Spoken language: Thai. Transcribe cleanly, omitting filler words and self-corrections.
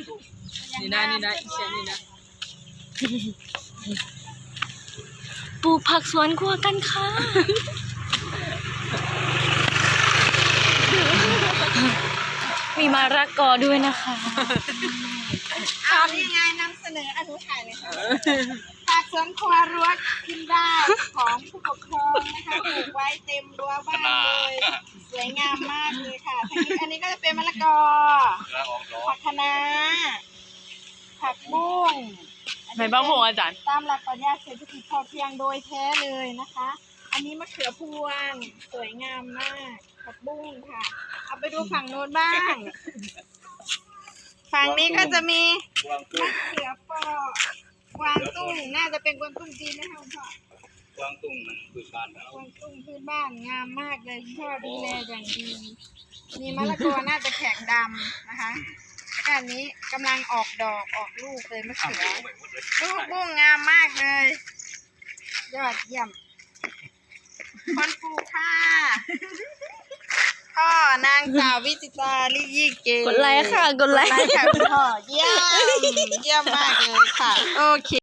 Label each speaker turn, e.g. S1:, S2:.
S1: นี่นะอีเชียนี่นะ
S2: ปลูกผักสวนครัวกันค่ะมีมะระกอด้วยนะคะ
S3: เอายังไงนำเสนออนุถ่ายเลยค่ะผักสวนครัวรั้วกินได้ของผู้ปกครองนะคะปลูกไว้เต็มรั้วบ้านเลยสวยงามมากเลยค่ะอันนี้ก็จะเป็นมะละกอผักคะน้าผักบุ้ง
S2: ไหนบ้างผมอาจารย์
S3: ตามหลักปรัชญาเศรษฐกิจพอเพียงโดยแท้เลยนะคะ อันนี้มะเขือพวงสวยงามมากผักบุ้งค่ะ เอาไปดูฝั่งโน้นบ้าง ฝั่งนี้ก็จะมีมะเขือเปราะกวางตุ้งน่าจะเป็นกวางตุ้งจีนนะคะคุณพ่อก
S4: วางตุ้งพื้นบ้านเรา
S3: กวางตุ้งพื้นบ้านงามมากเลยคุณพ่อดูแลอย่างดีมีมะละกอน่าจะแข็งดำนะคะแล้วก็อันนี้กำลังออกดอกออกลูกเลยมะเขือลูกบุ้งงามมากเลยยอดเยี่ยมคนปลูกค่ะพ่อนางสาววิจิตราลิยี่เก
S2: กดไลค์ค่ะ กดไลค์
S3: ค่ะคุณพ่อเยี่ยมมากเลยค่ะโอเค